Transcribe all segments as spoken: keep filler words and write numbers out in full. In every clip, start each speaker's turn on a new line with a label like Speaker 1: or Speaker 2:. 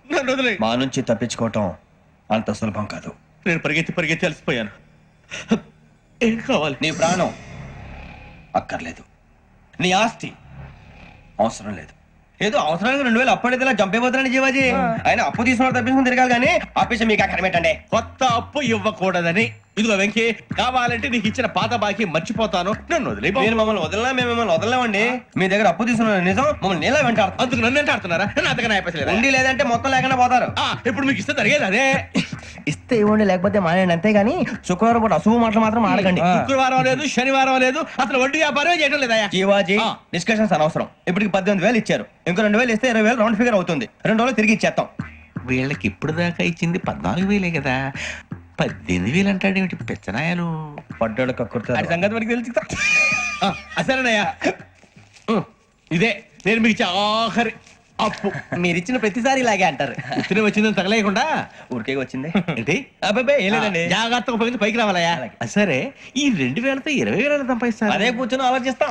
Speaker 1: నన్ను వదిలే.
Speaker 2: మా నుంచి తప్పించుకోవటం అంత సులభం కాదు.
Speaker 1: నేను పరిగెత్తి పరిగెత్తి అలసిపోయాను. ఏం కావాలి?
Speaker 2: నీ ప్రాణం అక్కర్లేదు, నీ ఆస్తి అవసరం లేదు. ఏదో అవసరానికి రెండు వేలు అప్పుడైతే ఇలా చంపేపోతున్నాను జీవాజీ. ఆయన అప్పు తీసుకున్న తప్పించుకుని తిరగాలి కానీ ఆపేసి మీకు అక్కడ పెట్టండి.
Speaker 1: కొత్త అప్పు ఇవ్వకూడదని. ఇదిగో వెంకీ, కావాలంటే నీకు ఇచ్చిన పాత బాకీ మర్చిపోతాను, నన్ను వదిలే.
Speaker 2: మీరు మమ్మల్ని వదలనా? మేము మిమ్మల్ని వదలలేమండి. మీ దగ్గర అప్పు తీసుకున్న నిజం మమ్మల్ని నీలా వెంటాడు.
Speaker 1: అందుకు నన్ను ఎంత ఆడుతున్నారా? నన్ను అంతగా నాయపసలేదు.
Speaker 2: ఉండి లేదంటే మొత్తం లేకుండా పోతారు.
Speaker 1: ఇప్పుడు మీకు ఇస్తే జరిగేది అదే.
Speaker 2: ఇస్తే ఇవ్వండి, లేకపోతే మానేయండి, అంతేగాని శుక్రవారం పూట అశుభ మాటలు మాత్రం ఆడకండి.
Speaker 1: శుక్రవారం లేదు, శనివారం లేదు, అసలు వడ్డీ వ్యాపారం చేయడం లేదా?
Speaker 2: జీవాజీ డిస్కషన్స్ అనవసరం. ఇప్పటికి పద్దెనిమిది వేలు ఇచ్చారు, ఇంకో రెండు వేలు ఇస్తే ఇరవై వేలు రౌండ్ ఫిగర్ అవుతుంది. రెండు రోజులు తిరిగి ఇచ్చేస్తాం.
Speaker 1: వీళ్ళకి ఇప్పుడు దాకా ఇచ్చింది పద్నాలుగు వేలే కదా, పద్దెనిమిది వేలు అంటాడేమిటి పెచ్చనాయాలు?
Speaker 2: పడ్డాడు కక్కుర్తాడు.
Speaker 1: సంగతి వరకు తెలుసు. అసలేనయ్యా, ఇదే నేను మీకు ఇచ్చే ఆఖరి అప్పు.
Speaker 2: మీరు ఇచ్చిన ప్రతిసారి ఇలాగే అంటారు.
Speaker 1: ఉత్తిని వచ్చిందని తగలేయకుండా
Speaker 2: ఊరికే వచ్చింది
Speaker 1: ఏంటి?
Speaker 2: అబ్బాయి ఏం లేదండి,
Speaker 1: జాగ్రత్తగా ఉపయోగించి పైకి రావాలయ్యా. సరే, ఈ రెండు వేలతో ఇరవై వేల సంపాదిస్తారు.
Speaker 2: అదే కూర్చొని ఆలోచిస్తాం.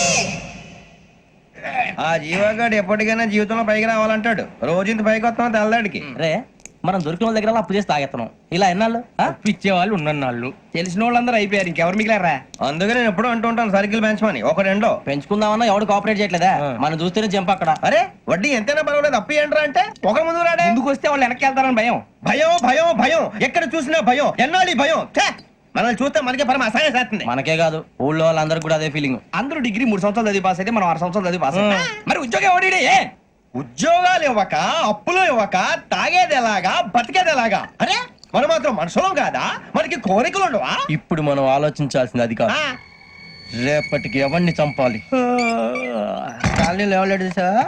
Speaker 2: ఆ జీవగాడు ఎప్పటికైనా జీవితంలో పైకి రావాలంటాడు. రోజు ఇంత పైకి వస్తాం తెల్లడికి.
Speaker 3: రే, మనం దొరికిన వాళ్ళ దగ్గర అప్పు చేసి తాగెత్తనం. ఇలా ఎన్నాళ్ళు
Speaker 1: ఇచ్చే వాళ్ళు ఉన్నన్నాళ్ళు.
Speaker 3: తెలిసిన వాళ్ళందరూ అయిపోయారు, ఇంకెవరు మిగిలారా?
Speaker 2: అందుకే నేను ఎప్పుడు అంటూ ఉంటాను సర్కిల్ బెంచ్ మని ఒక రెండో
Speaker 3: పెంచుకుందామన్నా ఎవడు కోఆపరేట్ చేయట్లేదా? మనం చూస్తేనే జంప్ అక్కడ.
Speaker 2: అరే వడ్డీ ఎంతైనా పర్వాలేదు, అప్పు ఏంట్రా అంటే ఒక ముందు రాడే.
Speaker 3: ముందుకు వస్తే వాళ్ళు వెనక్కి వెళ్తారని భయం.
Speaker 2: భయం భయం భయం ఎక్కడ చూసినా భయం. ఎన్నాళ్ళు ఈ భయం? ఛే! మనల్ని చూస్తే మనకే పరమ అసహాయం చేస్తుంది.
Speaker 3: మనకే కాదు, ఊళ్ళో వాళ్ళందరూ కూడా అదే ఫీలింగ్. అందరూ డిగ్రీ మూడు సంవత్సరాలు చదివి పాస్ అయితే మనం ఆరు సంవత్సరాలు చదివి పాస్ అయ్యాం. మరి ఉద్యోగం ఎవడి?
Speaker 2: ఉద్యోగాలు ఇవ్వక, అప్పులు ఇవ్వక, తాగేది ఎలాగా, బతికేది ఎలాగా? అరే మనం మాత్రం మనుషులం కాదా? మనకి కోరికలు ఉండవా?
Speaker 3: ఇప్పుడు మనం ఆలోచించాల్సింది అది కాదు, రేపటికి ఎవరిని చంపాలి. కాలనీలో ఎవరు సార్?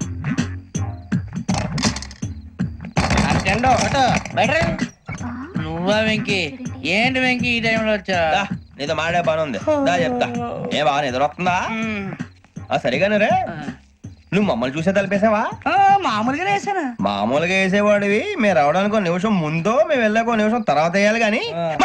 Speaker 4: నువ్వా వెంకీ? ఏంటి వెంకీ ఈ టైంలో వచ్చా?
Speaker 2: నీతో మాడే పని ఉంది, దా చెప్తా. ఏ బాగా నిద్రొస్తుందా? సరిగానే రే, నువ్వు మమ్మల్ని చూసే తలిపేసావా?
Speaker 4: మామూలుగానే వేసాను.
Speaker 2: మామూలుగా వేసేవాడివి. మేము రావడానికి ఒక నిమిషం ముందో మేము వెళ్ళాక ఒక నిమిషం తర్వాత వేయాలి కానీ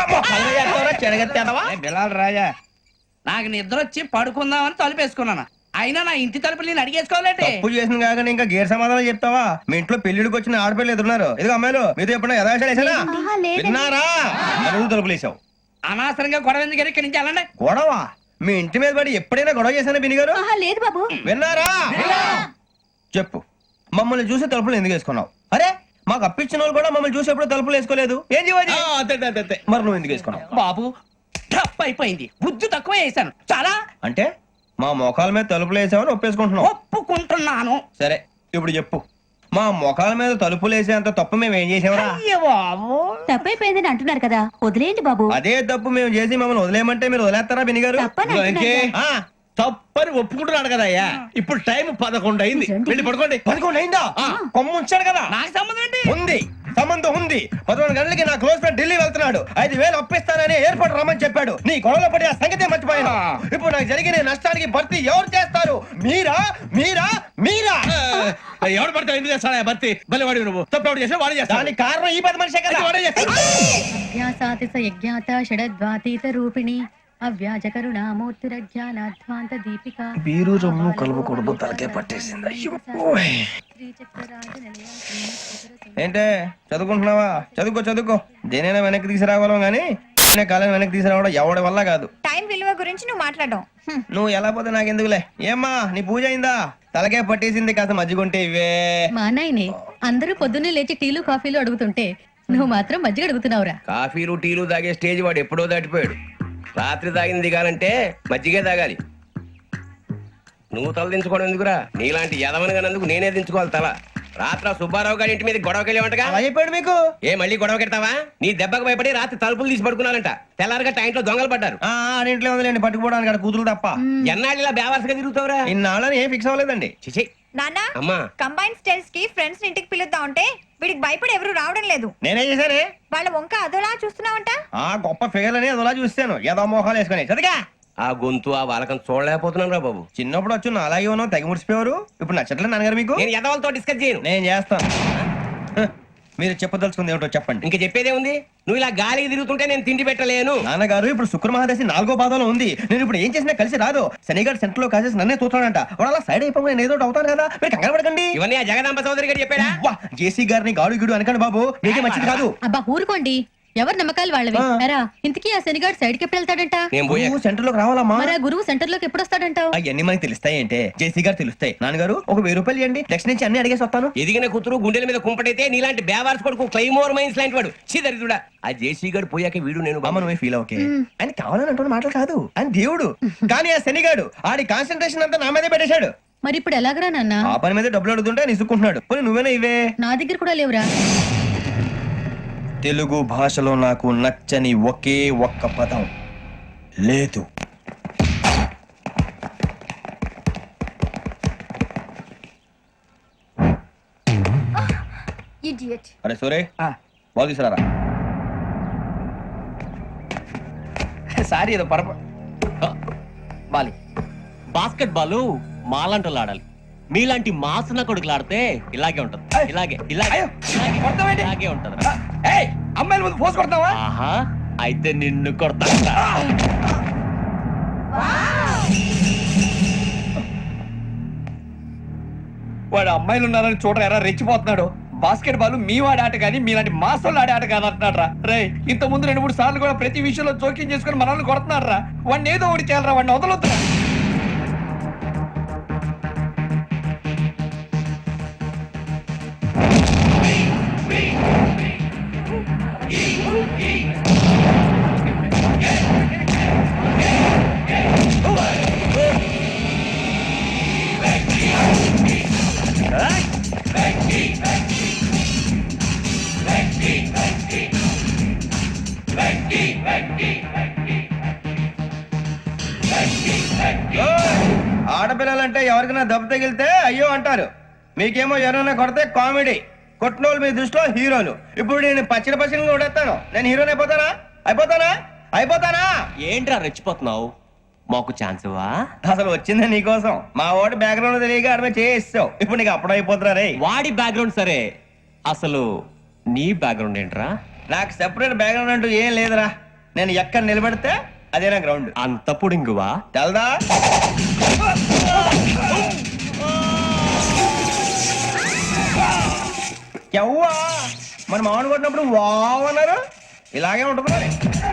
Speaker 4: బిలాల్ రాజా, నాకు నిద్ర వచ్చి పడుకుందామని తలుపేసుకున్నాను. అయినా నా ఇంటి తలుపులు నేను అడిగేసుకోవాలంటే
Speaker 2: తప్పు చేసిన కాక ఇంకా గేర్ సమాధానం చెప్తావా? మీ ఇంట్లో పెళ్లిడికి వచ్చిన ఆడపిల్లలు ఎదురున్నారు. ఇదిగో అమ్మాయిలు, మీతో ఎప్పుడైనా యథాశాలు వేసానా? విన్నారా? అడుగు తలుపులు వేసావు.
Speaker 4: అనవసరంగా గొడవ ఎందుకు? ఇక్కడి నుంచి వెళ్ళండి.
Speaker 2: గొడవ? మీ ఇంటి మీద పడి ఎప్పుడైనా గొడవ చేశానా బిని గారు?
Speaker 5: లేదు బాబు.
Speaker 2: విన్నారా? చెప్పు, మమ్మల్ని చూసి తలుపులు ఎందుకు వేసుకున్నావు? అరే మాకు అప్పించిన వాళ్ళు కూడా మమ్మల్ని చూసి ఎప్పుడు తలుపులు వేసుకోలేదు. ఏం చేయాలి? మరి నువ్వు ఎందుకు వేసుకున్నావు?
Speaker 4: బాబు టప్ అయిపోయింది, బుద్ధి తక్కువ వేసాను చాలా.
Speaker 2: అంటే మా మోకాల మీద తలుపులు వేసామని ఒప్పేసుకుంటున్నావు?
Speaker 4: ఒప్పుకుంటున్నాను.
Speaker 2: సరే ఇప్పుడు చెప్పు, మా మొఖాల మీద తలుపులు వేసేంత తప్పు మేము ఏం చేసామరా?
Speaker 5: తప్పైపోయిందని అంటున్నారు కదా, వదిలేయండి బాబు.
Speaker 2: అదే తప్పు మేము చేసి మమ్మల్ని వదిలేయమంటే మీరు వదిలేస్తారా బినిగారు?
Speaker 1: తప్పని ఒప్పుకుంటున్నాడు కదా అయ్యా. ఇప్పుడు టైం పదకొండు అయింది, వెళ్ళి పడుకోండి.
Speaker 2: పదకొండు అయిందా? కొమ్మ ఉంచాడు కదా.
Speaker 4: నాకు సంబంధం ఏంటి?
Speaker 2: ఉంది, సంబంధం ఉంది. పదకొండు గంటలకి నా క్లోజ్ ఫ్రెండ్ ఢిల్లీ వెళ్తున్నాడు. ఐదు వేలు అప్పిస్తానని ఎయిర్పోర్ట్ రమ్మని చెప్పాడు. నీ గొడవలో పడి ఆ సంగతి మర్చిపోయాను. ఇప్పుడు నాకు జరిగిన నష్టానికి భర్తీ ఎవరు చేస్తారు? మీరా మీరా మీరా?
Speaker 1: ఎవడు పడితే ఎందుకు చేస్తాడా భర్తీ? భలే వాడి నువ్వు తప్పు ఎవడు చేసా వాడే చేస్తా.
Speaker 2: దానికి కారణం ఈ పది మనిషే కదా. వాడే చేస్తాడు.
Speaker 5: యజ్ఞాత షడద్వాతీత రూపిణి అవ్యాజ కరుణామూర్తిరజ్ఞానాధ్వాంత దీపిక.
Speaker 2: బీరు రమ్ము కలుపుకూడదు, తలకే పట్టేసింది. ఏంటే చదువుకుంటున్నావా? చదువుకో చదువుకో. దేనైనా వెనక్కి తీసుకురావాలం గానీ కాలం వెనక్కి తీసుకురావడం ఎవడి వల్ల కాదు.
Speaker 5: టైం విలువ గురించి నువ్వు మాట్లాడడం.
Speaker 2: నువ్వు ఎలా పోతే నాకెందుకులే. ఏమ్మా నీ పూజ అయిందా? తలకే పట్టేసింది, కాస్త మజ్జిగుంటే ఇవే.
Speaker 5: మా నాయనే అందరూ పొద్దున్నే లేచి టీలు కాఫీలు అడుగుతుంటే నువ్వు మాత్రం మజ్జిగ అడుగుతున్నావురా.
Speaker 6: కాఫీలు టీలు తాగే స్టేజ్ వాడు ఎప్పుడో దాటిపోయాడు. రాత్రి తాగింది దిగాలంటే మజ్జిగే తాగాలి. నువ్వు తల దించుకోవడం ఎందుకురా? నీలాంటి యదవనగానందుకు నేనే దించుకోవాలి తల. రాత్రి సుబ్బారావు గారి ఇంటి మీద గొడవకి వెళ్ళేవంటగా.
Speaker 2: అలా చెప్పాడు మీకు?
Speaker 6: ఏ మళ్ళీ గొడవ కెడతావా? నీ దెబ్బకు భయపడి రాత్రి తలుపులు తీసి పడుకున్నారంట. తెల్లారగా టైంట్లో దొంగలు పడ్డారు.
Speaker 2: ఆ ఇంట్లో ఉందిలేండి, పట్టుకుపోవడానికి అక్కడ కూతురు తప్ప.
Speaker 6: ఎన్నాళ్ళు ఇలా బేవర్స్గా తిరుగుతావురా?
Speaker 2: ఇన్నాళ్ళని ఏం ఫిక్స్ అవ్వలేదండి.
Speaker 6: చిచి
Speaker 5: నాన్న,
Speaker 6: అమ్మా,
Speaker 5: కంబైన్ స్టైల్స్ కి ఫ్రెండ్స్ ఇంటికి పిలుద్దాం అంటే వీడికి భయపడి ఎవరు రావడం లేదు.
Speaker 2: నేనే చేశానే?
Speaker 5: వాళ్ళ వంక అదోలా చూస్తున్నావంట.
Speaker 2: ఆ గొప్ప ఫిగర్ అని అదోలా చూస్తాను, ఏదో మోహాలు వేసుకుని. చదిగా
Speaker 6: ఆ గొంతు ఆ వాలకం చూడలేకపోతున్నాను రా బాబు.
Speaker 2: చిన్నప్పుడు వచ్చి నా అలాగే ఉన్నావు, తెగ ముడిచిపోయారు. ఇప్పుడు నచ్చట్లే నాన్నగారు మీకు?
Speaker 6: నేను యదవలతో డిస్కస్ చేయను.
Speaker 2: నేను చేస్తాను. మీరు చెప్పదలుచుకుంది ఏమిటో చెప్పండి.
Speaker 6: ఇంక చెప్పేదే ఉంది. నువ్వు ఇలా గాలికి తిరుగుతుంటే నేను తిండి పెట్టలేను.
Speaker 2: నాన్నగారు ఇప్పుడు శుక్ర మహాదశి నాలుగో పాదంలో ఉంది. నేను ఇప్పుడు ఏం చేసినా కలిసి రాదు. శనిగారు సెంటర్ లో కాసేసి నన్నే చూస్తాడంట. వాడు అలా సైడ్ అయిపోయి నేను ఏదో ఒకటి అవుతాను కదా, మీరు కంగారు పడకండి.
Speaker 6: ఇవన్నీ ఆ జగదాంబ చౌదరి గారు చెప్పాడా?
Speaker 2: వా, జేసీ గారిని గాడు గిడు అనకండి బాబు, మీకే మంచిది కాదు.
Speaker 5: అబ్బా ఊరుకోండి, ఎవరి నమ్మకాలు వాళ్ళవి.
Speaker 2: ఆ.
Speaker 5: ఎరా ఇంతకీ ఆ శనిగాడు సైడ్ కి ఎప్పుడు వెళ్తాడంట?
Speaker 6: నేను పోయా.
Speaker 2: నువ్వు సెంటర్ లోకి రావాలమ్మా.
Speaker 5: మరి ఆ గురువు సెంటర్ లోకి ఎప్పుడు వస్తాడంటావు?
Speaker 2: అవన్నీ మనకి తెలుస్తాయి అంటే జేసీ గారు తెలుస్తాయి. నాన్నగారు ఒక వెయ్యి రూపాయలు ఇవ్వండి, నెక్స్ట్ నుంచి అన్ని అడిగేసి వస్తాను.
Speaker 6: ఎదిగిన కూతురు గుండెల మీద కుంపటైతే నీలాంటి బేవార్స్ కొడుకు క్లైమోర్ మైన్స్ లాంటి వాడు చీదరిదుడా. ఆ జేసీ గారు పోయాక వీడు నేను
Speaker 2: అమ్మ నువ్వే ఫీల్ ఓకే. ఆయన కావాలని అంటున్న మాటలు కాదు, ఆయన దేవుడు. కానీ ఆ శనిగాడు ఆడి కాన్సన్ట్రేషన్ అంతా నా మీదే పెట్టేశాడు.
Speaker 5: మరి ఇప్పుడు ఎలాగరా నాన్న?
Speaker 2: ఆ పని మీద డబ్బులు అడుగుతుంటే నిసుక్కుంటున్నాడు. పోనీ నువ్వేనా ఇవే?
Speaker 5: నా దగ్గర కూడా లేవురా.
Speaker 2: తెలుగు భాషలో నాకు నచ్చని ఒకే ఒక్క పదం లేదు. అరే సూరే, బాల్ తీసుకురారా.
Speaker 4: సారీ ఏదో పరప బాలి.
Speaker 1: బాస్కెట్ బాల్ మాలాంటి ఆడాలి. మీలాంటి మాసన కొడుకులు ఆడితే ఇలాగే ఉంటది. ఇలాగే ఇలాగే
Speaker 4: అయ్యో,
Speaker 1: ఇలాగే,
Speaker 4: కొడతావేంటి?
Speaker 1: ఇలాగే ఉంటది.
Speaker 4: ఏయ్ అమ్మాయిల ముందు పోసి కొడతావా?
Speaker 1: ఆహా, అయితే నిన్ను కొడతా.
Speaker 4: వాడు అమ్మాయిలు ఉన్నారని చూడరా ఎరా రెచ్చిపోతున్నాడు. బాస్కెట్ బాల్ మీ వాడి ఆట కానీ మీలాంటి మాసోళ్ళు ఆడే ఆట కాదు అంటున్నాడు రా. రే ఇంత ముందు రెండు మూడు సార్లు కూడా ప్రతి విషయంలో జోక్యం చేసుకుని మనల్ని కొడుతున్నాడు రా. వాడిని ఏదో ఒకటి చేయాలరా, వాడిని వదలొద్దురా.
Speaker 2: ఆడపిల్లలంటే ఎవరికైనా దెబ్బ తగిలితే అయ్యో అంటారు, మీకేమో ఎవరైనా కొడితే కామెడీ. కొట్టినోళ్ళు మీ దృష్టిలో హీరోలు. ఇప్పుడు నేను పచ్చడి పచ్చడి కొడేస్తాను, నేను హీరోని అయిపోతానా? అయిపోతానా? అయిపోతానా?
Speaker 1: ఏంట్రా రెచ్చిపోతున్నావు? మాకు ఛాన్స్ ఇవ్వా?
Speaker 2: అసలు వచ్చిందే నీకోసం. మా వాడి బ్యాక్గ్రౌండ్ తెలియక అడమే చేయిస్తావు. ఇప్పుడు నీకు అప్పుడు అయిపోతున్నా రే.
Speaker 1: వాడి బ్యాక్గ్రౌండ్ సరే, అసలు నీ బ్యాక్గ్రౌండ్ ఏంట్రా?
Speaker 2: నాకు సెపరేట్ బ్యాక్గ్రౌండ్ అంటూ ఏం లేదురా. నేను ఎక్కడ నిలబడితే అదే నా గ్రౌండ్.
Speaker 1: అంత పుడింగువా?
Speaker 2: తెల్దా? ఎవ్వా మన మామిడి కొట్టినప్పుడు వావ్ అన్నారు, ఇలాగే ఉంటుంది మరి.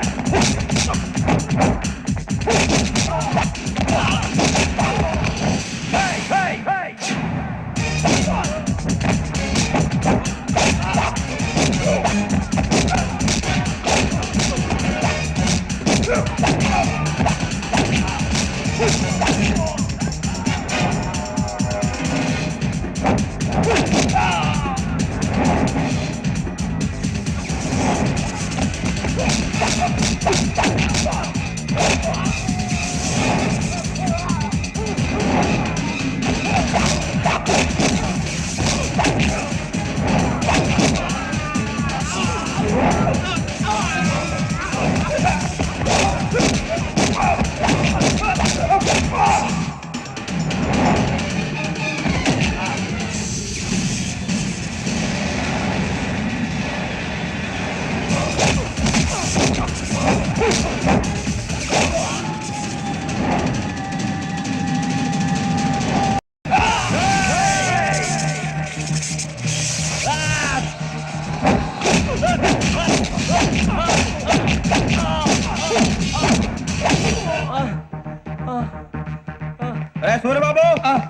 Speaker 2: సూర్యబాబు,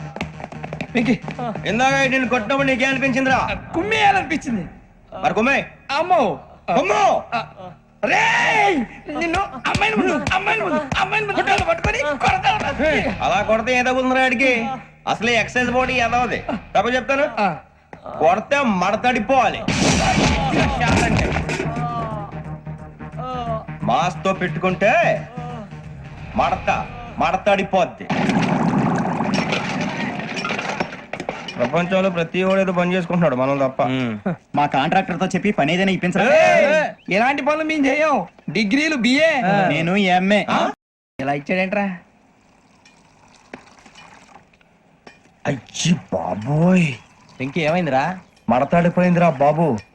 Speaker 2: ఇందాక నేను కొట్టినప్పుడు నీకే అనిపించిందిరా?
Speaker 4: కుమ్మేయాలనిపించింది.
Speaker 2: మరి కుమ్మే.
Speaker 4: అమ్మో
Speaker 2: కుమ్ము.
Speaker 4: రే నిన్ను అమ్మాయిని ముందు అమ్మాయిని ముందు అమ్మాయిని ముందు కాళ్ళు పట్టుకొని కొడతా ఉన్నా.
Speaker 2: అలా కొడితే ఏ తగ్గుతుందిరా ఆడికి? అసలు ఎక్సైజ్ బాడీ ఏదవది తప్ప చెప్తాను. కొడితే మడతడిపోవాలి. మాస్ తో పెట్టుకుంటే మడత మడతడిపోద్ది. ప్రపంచంలో ప్రతి వాడు ఏదో పని చేసుకుంటున్నాడు, మనం తప్ప.
Speaker 3: మా కాంట్రాక్టర్ తో చెప్పి పని ఏదైనా ఇప్పించరా?
Speaker 4: ఎలాంటి పనులు మేము చేయం. డిగ్రీలు బిఏ,
Speaker 3: నేను ఎంఏ.
Speaker 4: ఇలా ఇచ్చాడేంట్రా?
Speaker 2: అయ్యి బాబోయ్,
Speaker 3: ఇంకేమైందిరా?
Speaker 2: మడతాడిపోయిందిరా బాబు.